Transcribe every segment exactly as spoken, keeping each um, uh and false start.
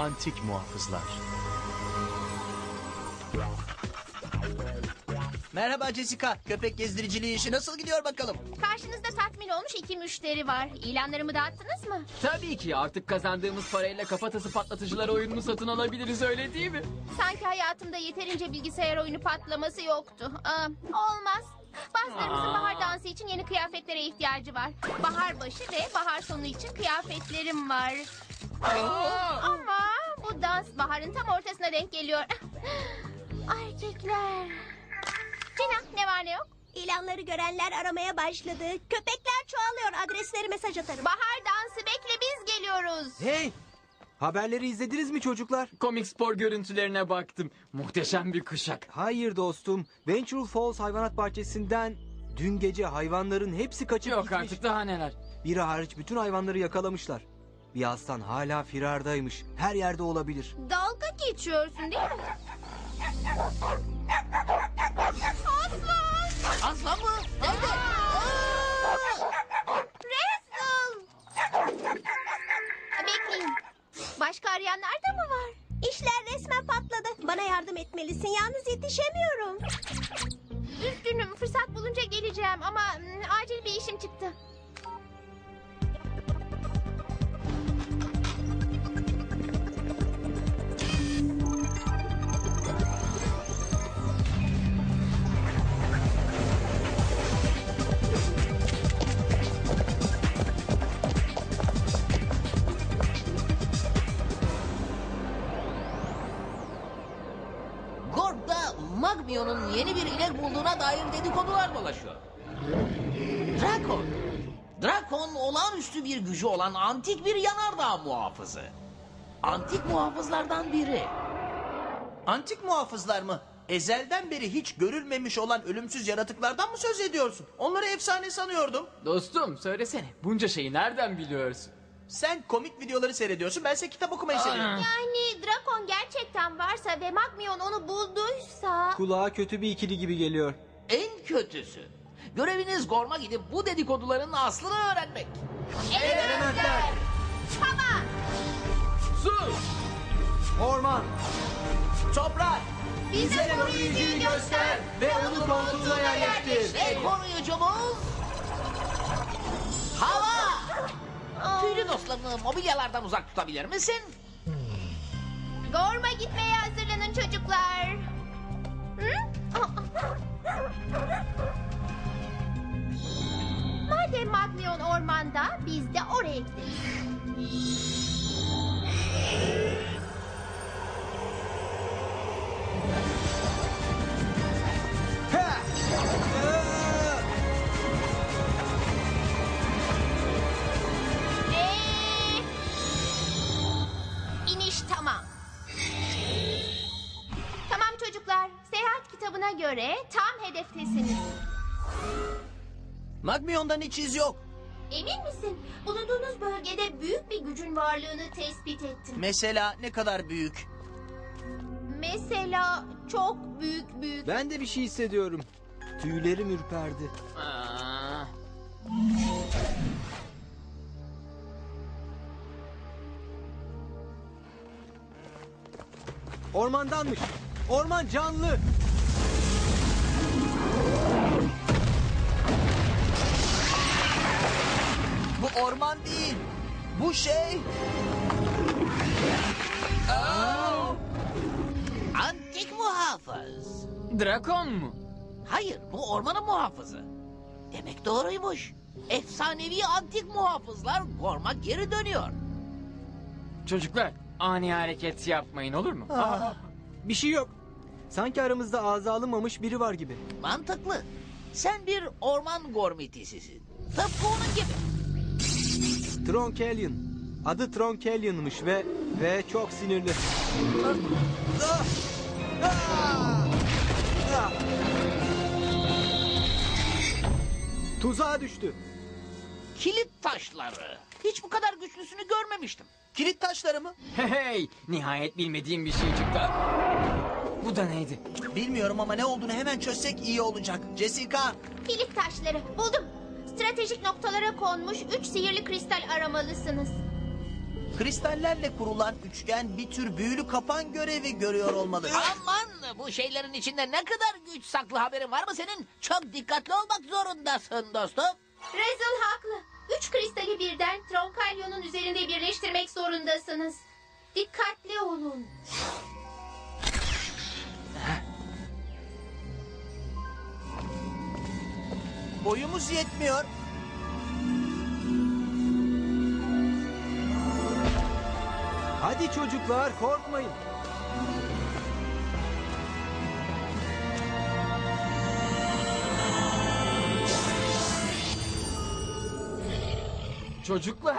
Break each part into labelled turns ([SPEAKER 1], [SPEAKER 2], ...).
[SPEAKER 1] Antik muhafızlar.
[SPEAKER 2] Merhaba Jessica. Köpek gezdiriciliği işi nasıl gidiyor bakalım?
[SPEAKER 3] Karşınızda tatmin olmuş iki müşteri var. İlanlarımı dağıttınız mı?
[SPEAKER 4] Tabii ki artık kazandığımız parayla kafatası patlatıcılar oyununu satın alabiliriz, öyle değil mi?
[SPEAKER 3] Sanki hayatımda yeterince bilgisayar oyunu patlaması yoktu. Aa, olmaz. Bazılarımızın
[SPEAKER 4] Aa.
[SPEAKER 3] bahar dansı için yeni kıyafetlere ihtiyacı var. Bahar başı ve bahar sonu için kıyafetlerim var. Ama bu dans baharın tam ortasına denk geliyor. Erkekler. Cina, ne var ne yok?
[SPEAKER 5] İlanları görenler aramaya başladı. Köpekler çoğalıyor. Adresleri mesaj atarım.
[SPEAKER 3] Bahar dansı bekle, biz geliyoruz.
[SPEAKER 6] Hey! Haberleri izlediniz mi çocuklar?
[SPEAKER 4] Komik spor görüntülerine baktım. Muhteşem bir kuşak.
[SPEAKER 6] Hayır dostum. Venture Falls hayvanat bahçesinden dün gece hayvanların hepsi kaçıp
[SPEAKER 4] Yok
[SPEAKER 6] gitmiş.
[SPEAKER 4] artık, daha neler.
[SPEAKER 6] Biri hariç bütün hayvanları yakalamışlar. Bir aslan hala firardaymış. Her yerde olabilir.
[SPEAKER 3] Dalga geçiyorsun değil mi? Aslan!
[SPEAKER 2] Aslan mı? Nerede?
[SPEAKER 3] Resul! Bekleyin. Başka arayanlar da mı var?
[SPEAKER 5] İşler resmen patladı. Bana yardım etmelisin. Yalnız yetişemiyorum.
[SPEAKER 3] Üzgünüm, fırsat bulunca geleceğim ama mm, acil bir işim çıktı.
[SPEAKER 7] Gorg'da Magmio'nun yeni bir inek bulduğuna dair dedikodular dolaşıyor. Drakon. Drakon olağanüstü bir gücü olan antik bir yanardağ muhafızı. Antik muhafızlardan biri.
[SPEAKER 2] Antik muhafızlar mı? Ezelden beri hiç görülmemiş olan ölümsüz yaratıklardan mı söz ediyorsun? Onları efsane sanıyordum.
[SPEAKER 4] Dostum söylesene, bunca şeyi nereden biliyorsun?
[SPEAKER 2] Sen komik videoları seyrediyorsun, bense kitap okumayı seviyorum.
[SPEAKER 3] Yani Drakon gerçekten varsa ve Magmion onu bulduysa...
[SPEAKER 6] Kulağa kötü bir ikili gibi geliyor.
[SPEAKER 7] En kötüsü. Göreviniz Gorm'a gidip bu dedikoduların aslını öğrenmek.
[SPEAKER 3] Elementler! Hava!
[SPEAKER 4] Sus!
[SPEAKER 6] Orman!
[SPEAKER 2] Toprak!
[SPEAKER 3] Bize koruyucuyu göster
[SPEAKER 6] ve onu koltuğuna yerleştir.
[SPEAKER 7] Ve koruyucumuz... Hava! Tüylü dostlarını mobilyalardan uzak tutabilir misin?
[SPEAKER 3] Gorm'a gitmeye hazırlanın çocuklar. Hı? Madem Magmion ormanda, biz de oraya gideriz. Ee, iniş tamam. Tamam çocuklar, seyahat kitabına göre tam hedeftesiniz.
[SPEAKER 2] Magmion'dan hiç iz yok.
[SPEAKER 3] Emin misin? Bulunduğunuz bölgede büyük bir gücün varlığını tespit ettim.
[SPEAKER 2] Mesela ne kadar büyük?
[SPEAKER 3] Mesela çok büyük büyük.
[SPEAKER 6] Ben de bir şey hissediyorum. Tüylerim ürperdi.
[SPEAKER 4] Aa,
[SPEAKER 6] Ormandanmış. Orman canlı.
[SPEAKER 2] Bu orman değil. Bu şey...
[SPEAKER 7] Antik muhafız.
[SPEAKER 4] Drakon mu?
[SPEAKER 7] Hayır, bu ormanın muhafızı. Demek doğruymuş. Efsanevi antik muhafızlar Gorm'a geri dönüyor.
[SPEAKER 4] Çocuklar, ani hareket yapmayın, olur mu?
[SPEAKER 6] Bir şey yok. Sanki aramızda ağza alınmamış biri var gibi.
[SPEAKER 7] Mantıklı. Sen bir orman gormitisisin. Tıpkı onun gibi.
[SPEAKER 6] Tronkelion. Adı Tronkelion'mış ve ve çok sinirli. Tuzağa düştü.
[SPEAKER 7] Kilit taşları. Hiç bu kadar güçlüsünü görmemiştim.
[SPEAKER 2] Kilit taşları mı?
[SPEAKER 4] Hey hey, nihayet bilmediğim bir şey çıktı. Bu da neydi?
[SPEAKER 2] Bilmiyorum ama ne olduğunu hemen çözsek iyi olacak. Jessica!
[SPEAKER 3] Kilit taşları buldum. Stratejik noktalara konmuş üç sihirli kristal aramalısınız.
[SPEAKER 2] Kristallerle kurulan üçgen bir tür büyülü kapan görevi görüyor olmalı.
[SPEAKER 7] Aman, bu şeylerin içinde ne kadar güç saklı, haberin var mı senin? Çok dikkatli olmak zorundasın dostum.
[SPEAKER 3] Razel haklı. Üç kristali birden Tronkalyon'un üzerinde birleştirmek zorundasınız. Dikkatli olun.
[SPEAKER 2] Boyumuz yetmiyor.
[SPEAKER 6] Hadi çocuklar, korkmayın.
[SPEAKER 4] Çocuklar.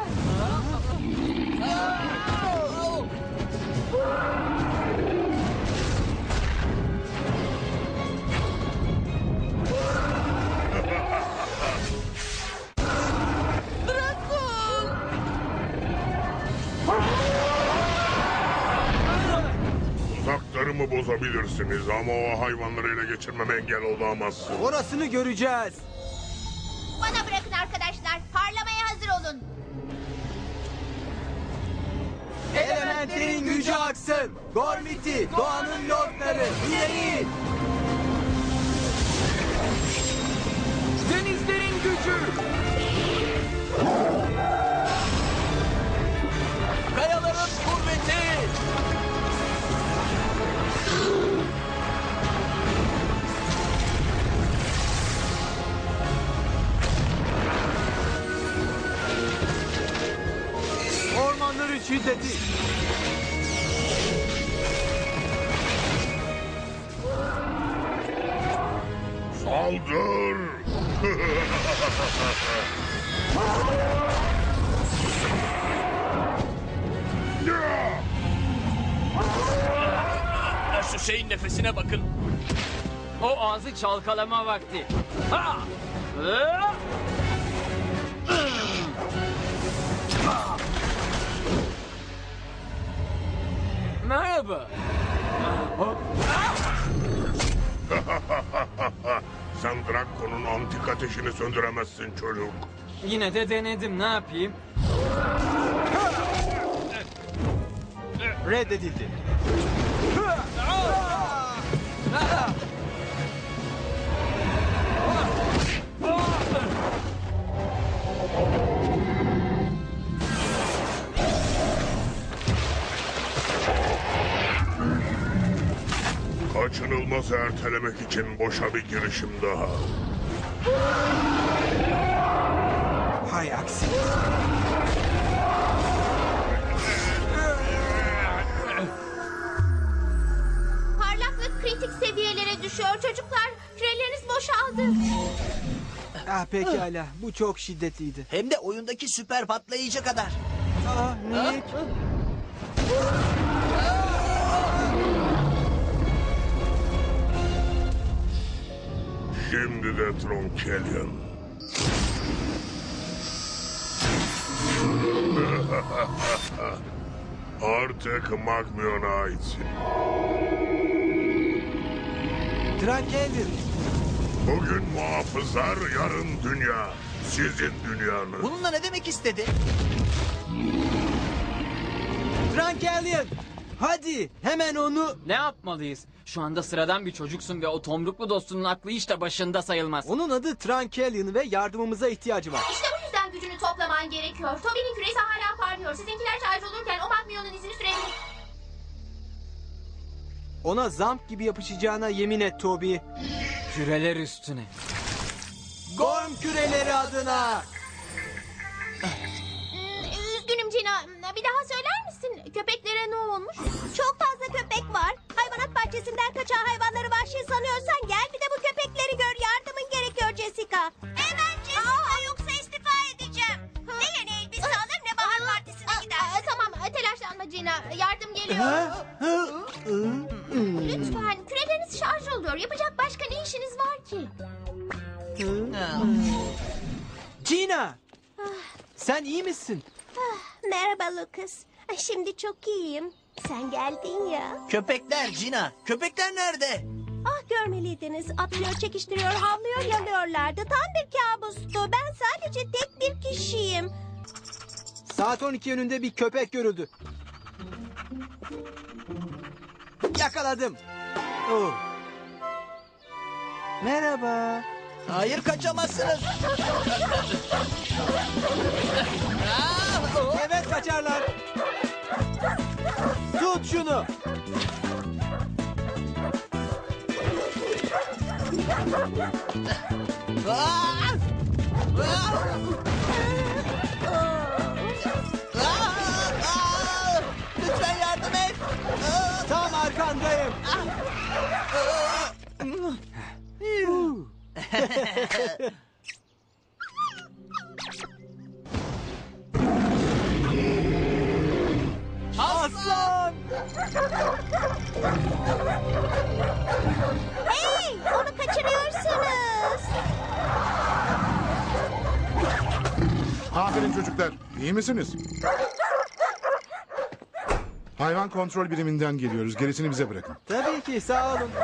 [SPEAKER 1] Tuzaklarımı bozabilirsiniz ama o hayvanları ele geçirmeme engel olamazsın.
[SPEAKER 6] Orasını göreceğiz.
[SPEAKER 3] Bana bırakın arkadaşlar. Parlamaya hazır olun.
[SPEAKER 6] Elementlerin gücü aksın. Gormiti, doğanın lordları, ileri.
[SPEAKER 4] Denizlerin gücü.
[SPEAKER 2] Kayaların kuvveti.
[SPEAKER 6] Ormanların şiddeti.
[SPEAKER 1] Saldır!
[SPEAKER 2] Şu şeyin nefesine bakın.
[SPEAKER 4] O ağzı çalkalama vakti. Ha! Hı! Merhaba.
[SPEAKER 1] Sen Drakon'un antik ateşini söndüremezsin çocuk.
[SPEAKER 4] Yine de denedim, ne yapayım?
[SPEAKER 6] Reddedildi.
[SPEAKER 1] Kaçınılmazı ertelemek için boşa bir girişim daha.
[SPEAKER 6] Hay aksi.
[SPEAKER 3] Parlaklık kritik seviyelere düşüyor çocuklar. Küreleriniz boşaldı.
[SPEAKER 6] Ah pekala, bu çok şiddetliydi.
[SPEAKER 2] Hem de oyundaki süper patlayıcı kadar.
[SPEAKER 6] Ah Nick.
[SPEAKER 1] Şimdi de Tronkelion. Artık Magmion'a aitsin.
[SPEAKER 6] Trankelion.
[SPEAKER 1] Bugün muhafızlar, yarın dünya. Sizin dünyanız.
[SPEAKER 2] Bununla ne demek istedi?
[SPEAKER 6] Trankelion. Hadi hemen onu...
[SPEAKER 4] Ne yapmalıyız? Şu anda sıradan bir çocuksun ve o tomruklu dostunun aklı hiç de başında sayılmaz.
[SPEAKER 6] Onun adı Trankelion ve yardımımıza ihtiyacı var.
[SPEAKER 3] İşte bu yüzden gücünü toplaman gerekiyor. Toby'nin küresi hala parlıyor. Sizinkiler şarj olurken o Magmion'un izini sürebilir.
[SPEAKER 6] Ona zamp gibi yapışacağına yemin et Toby.
[SPEAKER 4] Küreler üstüne.
[SPEAKER 6] Gorm küreleri adına.
[SPEAKER 3] Hmm, üzgünüm Cina. Bir daha söyler misin? Köpeklere ne olmuş?
[SPEAKER 5] Çok fazla köpek var. Hayvanat bahçesinden kaçan hayvanları vahşi sanıyorsan gel bir de bu köpekleri gör. Yardımın gerekiyor Jessica. Hemen Jessica yoksa istifa edeceğim. Ne yeni elbise alır ne bahar partisine gider.
[SPEAKER 3] Aa, tamam telaşlanma Cina. Yardım geliyor. Lütfen küreleriniz şarj oluyor. Yapacak başka ne işiniz var ki?
[SPEAKER 6] Gina. Sen iyi misin?
[SPEAKER 5] Merhaba Lucas. Ay, Şimdi çok iyiyim. Sen geldin ya.
[SPEAKER 2] Köpekler Cina. Köpekler nerede?
[SPEAKER 5] Ah görmeliydiniz. Atlıyor, çekiştiriyor, havlıyor, yalıyorlardı. Tam bir kabustu. Ben sadece tek bir kişiyim.
[SPEAKER 6] Saat on iki yönünde bir köpek görüldü. Yakaladım. Oh. Merhaba.
[SPEAKER 2] Hayır, kaçamazsınız.
[SPEAKER 6] Evet kaçarlar. Tut şunu.
[SPEAKER 2] Aa! Aa! Aa! Lütfen yardım et. Aa!
[SPEAKER 6] Tam arkandayım. Aslan.
[SPEAKER 5] Hey, onu kaçırıyorsunuz.
[SPEAKER 8] Aferin çocuklar. İyi misiniz? Hayvan kontrol biriminden geliyoruz. Gerisini bize bırakın.
[SPEAKER 6] Tabii ki, sağ olun.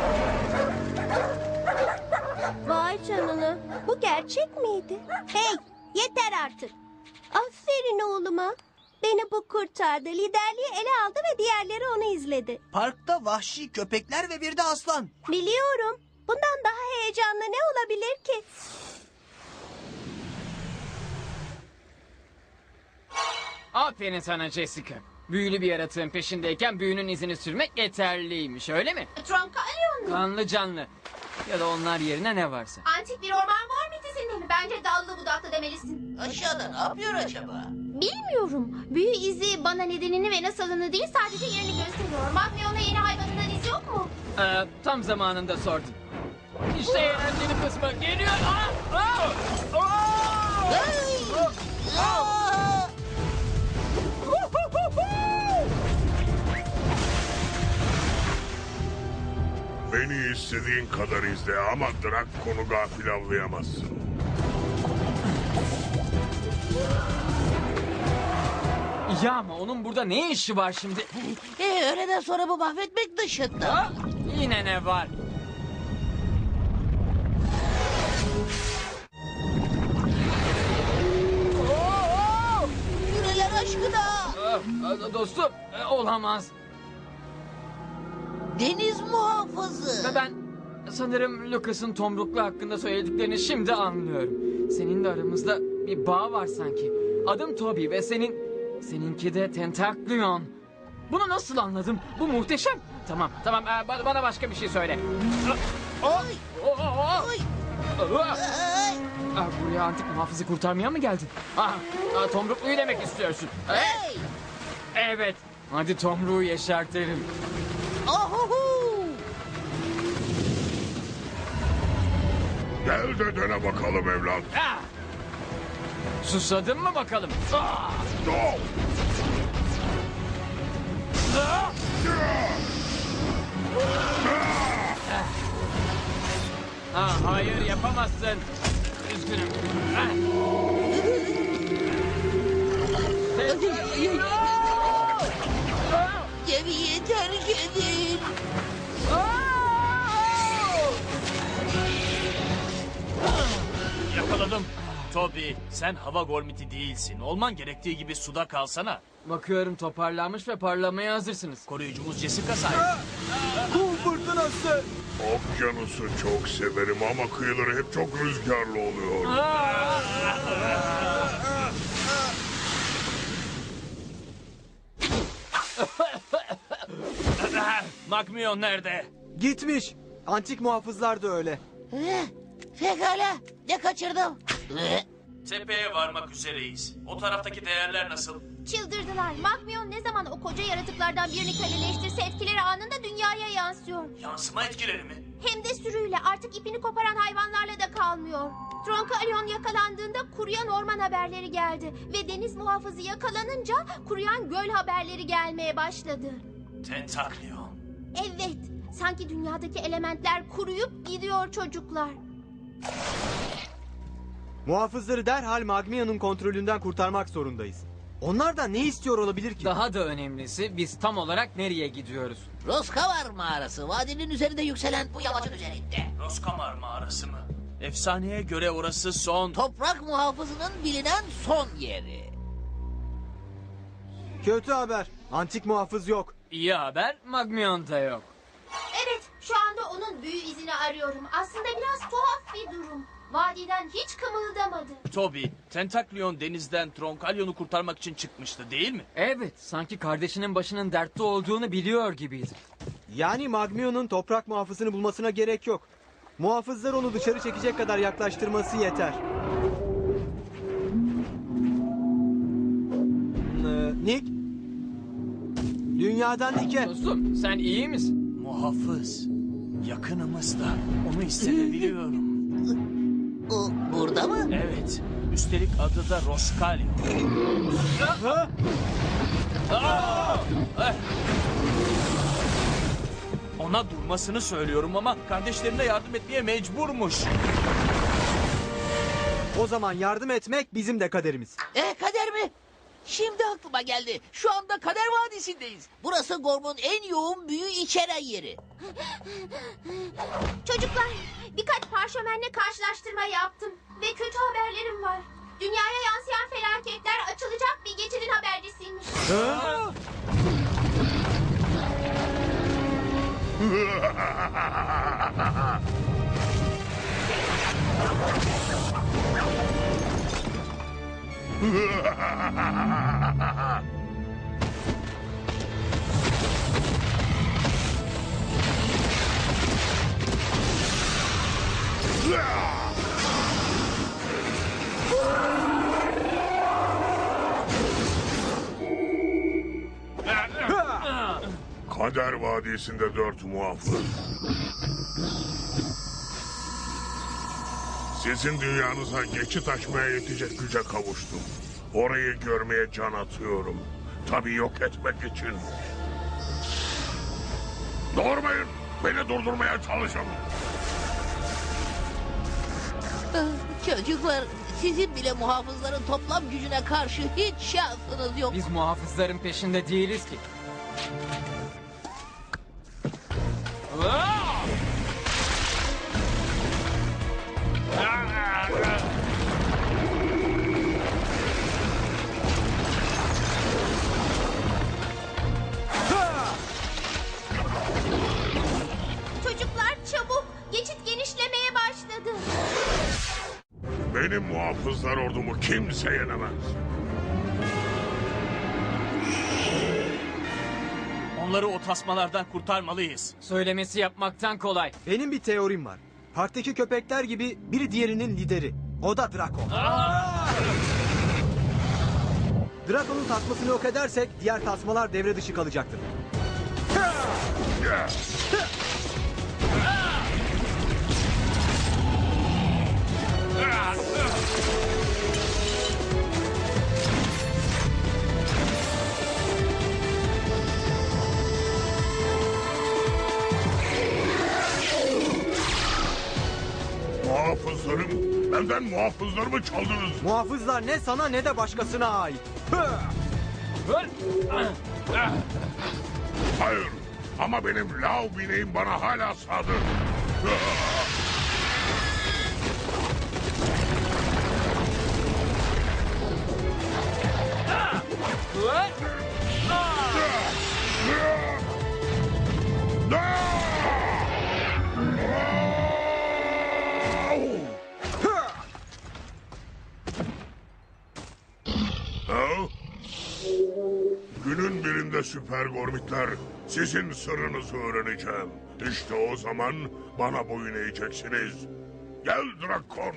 [SPEAKER 5] Vay canına. Bu gerçek miydi? Hey, yeter artık. Aferin oğluma. Beni bu kurtardı. Liderliği ele aldı ve diğerleri onu izledi.
[SPEAKER 2] Parkta vahşi köpekler ve bir de aslan.
[SPEAKER 5] Biliyorum. Bundan daha heyecanlı ne olabilir ki?
[SPEAKER 4] Aferin sana Jessica. Büyülü bir yaratığın peşindeyken büyünün izini sürmek yeterliymiş, öyle mi?
[SPEAKER 3] Tronkalion mu?
[SPEAKER 4] Kanlı canlı. Ya da onlar yerine ne varsa.
[SPEAKER 3] Antik bir orman var mıydı senin? Bence dallı budaklı demelisin.
[SPEAKER 7] Aşağıda ne yapıyor acaba?
[SPEAKER 3] Bilmiyorum. Büyü izi bana nedenini ve nasılını değil sadece yerini gösteriyor. Magmion'la yeni hayvanından iz yok mu?
[SPEAKER 4] Ee, tam zamanında sordun. İşte eğlenceli kısmı geliyor. Aa! Aa! Aa!
[SPEAKER 1] Beni istediğin kadar izle ama Drakon'u gafil avlayamazsın.
[SPEAKER 4] Ya ama onun burada ne işi var şimdi?
[SPEAKER 7] Ee, öğleden sonra bu mahvetmek dışında.
[SPEAKER 4] Aa! Yine ne var?
[SPEAKER 7] Yüreler aşkına.
[SPEAKER 4] Aa, dostum, e, olamaz.
[SPEAKER 7] Deniz muhafızı.
[SPEAKER 4] Ve ben sanırım Lucas'ın tomruklu hakkında söylediklerini şimdi anlıyorum. Seninle aramızda bir bağ var sanki. Adım Toby ve senin... Seninki de Tentaklion. Bunu nasıl anladım? Bu muhteşem. Tamam, tamam. e, ba- bana başka bir şey söyle. Oh, oh, oh, oh. Aa, buraya antik muhafızı kurtarmaya mı geldin? Ah, ah, tomrukluyu demek istiyorsun.
[SPEAKER 7] Hey!
[SPEAKER 4] Evet. Hadi tomruğu yeşertelim.
[SPEAKER 7] Ohuhu!
[SPEAKER 1] Gel de dene bakalım evlat.
[SPEAKER 4] Ah! Susadın mı bakalım? Ah!
[SPEAKER 1] Oh!
[SPEAKER 4] Ah! Ah, hayır yapamazsın. Üzgünüm. Ah! Ah!
[SPEAKER 7] Gemiyi terk edin.
[SPEAKER 9] Yakaladım. Toby, sen hava gormiti değilsin. Olman gerektiği gibi suda kalsana.
[SPEAKER 4] Bakıyorum toparlanmış ve parlamaya hazırsınız.
[SPEAKER 9] Koruyucumuz Jessica sayesinde.
[SPEAKER 6] Kum fırtınası.
[SPEAKER 1] Okyanusu çok severim ama kıyıları hep çok rüzgarlı oluyor.
[SPEAKER 9] Magmion nerede?
[SPEAKER 6] Gitmiş. Antik muhafızlar da öyle.
[SPEAKER 7] Eh, Pekala. Ne kaçırdım? Eh,
[SPEAKER 9] Tepeye varmak üzereyiz. O taraftaki değerler nasıl?
[SPEAKER 3] Çıldırdılar. Magmion ne zaman o koca yaratıklardan birini köleleştirse etkileri anında dünyaya yansıyor.
[SPEAKER 9] Yansıma etkileri mi?
[SPEAKER 3] Hem de sürüyle artık ipini koparan hayvanlarla da kalmıyor. Tronkalion yakalandığında kuruyan orman haberleri geldi. Ve deniz muhafızı yakalanınca kuruyan göl haberleri gelmeye başladı.
[SPEAKER 9] Tentaklion.
[SPEAKER 3] Evet, sanki dünyadaki elementler kuruyup gidiyor çocuklar.
[SPEAKER 6] Muhafızları derhal Magmia'nın kontrolünden kurtarmak zorundayız. Onlardan ne istiyor olabilir ki?
[SPEAKER 4] Daha da önemlisi biz tam olarak nereye gidiyoruz?
[SPEAKER 7] Roskavar mağarası. Vadinin üzerinde yükselen bu yamacın üzerinde.
[SPEAKER 9] Roskamar mağarası mı? Efsaneye göre orası son...
[SPEAKER 7] Toprak muhafızının bilinen son yeri.
[SPEAKER 6] Kötü haber. Antik muhafız yok.
[SPEAKER 4] İyi haber, Magmion da yok.
[SPEAKER 3] Evet, şu anda onun büyü izini arıyorum. Aslında biraz tuhaf bir durum. Vadiden hiç kımıldamadı.
[SPEAKER 9] Toby, Tentaklion denizden Tronkalyon'u kurtarmak için çıkmıştı değil mi?
[SPEAKER 4] Evet, sanki kardeşinin başının dertte olduğunu biliyor gibiydi.
[SPEAKER 6] Yani Magmion'un toprak muhafızını bulmasına gerek yok. Muhafızlar onu dışarı çekecek kadar yaklaştırması yeter. Ee, Nick? Dünyadan Nick'e.
[SPEAKER 4] Dostum, sen iyi misin?
[SPEAKER 2] Muhafız. Yakınımızda. Onu hissedebiliyorum.
[SPEAKER 7] O burada mı?
[SPEAKER 2] Evet. Üstelik adı da Roskalyon. Ona durmasını söylüyorum ama kardeşlerine yardım etmeye mecburmuş.
[SPEAKER 6] O zaman yardım etmek bizim de kaderimiz.
[SPEAKER 7] E kader mi? Şimdi aklıma geldi. Şu anda Kader Vadisi'ndeyiz. Burası Gorm'un en yoğun büyü içeren yeri.
[SPEAKER 3] Çocuklar, birkaç parşömenle karşılaştırma yaptım. Ve kötü haberlerim var. Dünyaya yansıyan felaketler açılacak bir geçidin habercisiymiş.
[SPEAKER 1] Kader Vadisi'nde dört muhafız. Sizin dünyanıza geçit açmaya yetecek güce kavuştum. Orayı görmeye can atıyorum. Tabii yok etmek için. Doğurmayın. Beni durdurmaya çalışın.
[SPEAKER 7] Çocuklar, sizin bile muhafızların toplam gücüne karşı hiç şansınız yok.
[SPEAKER 4] Biz muhafızların peşinde değiliz ki.
[SPEAKER 3] Çocuklar çabuk, geçit genişlemeye başladı.
[SPEAKER 1] Benim muhafızlar ordumu kimse yenemez.
[SPEAKER 2] Onları o tasmalardan kurtarmalıyız.
[SPEAKER 4] Söylemesi yapmaktan kolay.
[SPEAKER 6] Benim bir teorim var. Parktaki köpekler gibi biri diğerinin lideri. O da Drakon. Drakon'un tasmasını yok edersek diğer tasmalar devre dışı kalacaktır.
[SPEAKER 1] Muhafızlarım, benden muhafızlarımı çaldınız.
[SPEAKER 6] Muhafızlar ne sana ne de başkasına ait.
[SPEAKER 1] Hayır, ama benim lav bineğim bana hala sadır. Günün birinde süper gormitler, sizin sırrınızı öğreneceğim. İşte o zaman bana boyun eğeceksiniz. Gel Drakon.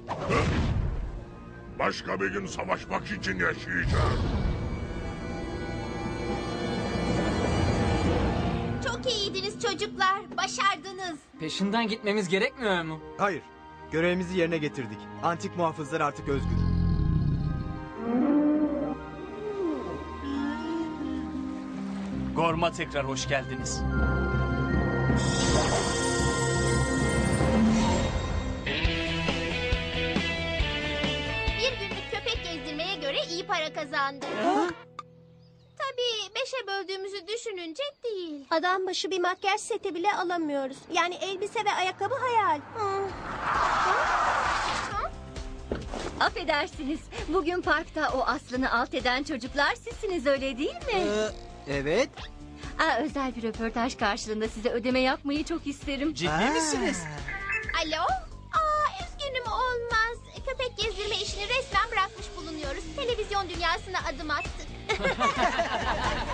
[SPEAKER 1] Başka bir gün savaşmak için yaşayacağım.
[SPEAKER 3] Çok iyiydiniz çocuklar, başardınız.
[SPEAKER 4] Peşinden gitmemiz gerekmiyor mu?
[SPEAKER 6] Hayır. Görevimizi yerine getirdik. Antik muhafızlar artık özgür.
[SPEAKER 2] Gorm'a tekrar hoş geldiniz.
[SPEAKER 3] Bir günlük köpek gezdirmeye göre iyi para kazandı. Tabii beşe böldüğümüzü düşününce değil.
[SPEAKER 5] Adam başı bir makyaj seti bile alamıyoruz. Yani elbise ve ayakkabı hayal. Hmm.
[SPEAKER 3] Ha?
[SPEAKER 5] Affedersiniz. Bugün parkta o Aslı'nı alt eden çocuklar sizsiniz, öyle değil mi?
[SPEAKER 6] Ee, evet.
[SPEAKER 5] Aa, özel bir röportaj karşılığında size ödeme yapmayı çok isterim.
[SPEAKER 2] Ciddi
[SPEAKER 6] Aa.
[SPEAKER 2] misiniz?
[SPEAKER 3] Alo? Aa, üzgünüm olmaz. Köpek gezdirme işini resmen bırakmış bulunuyoruz. Televizyon dünyasına adım attık.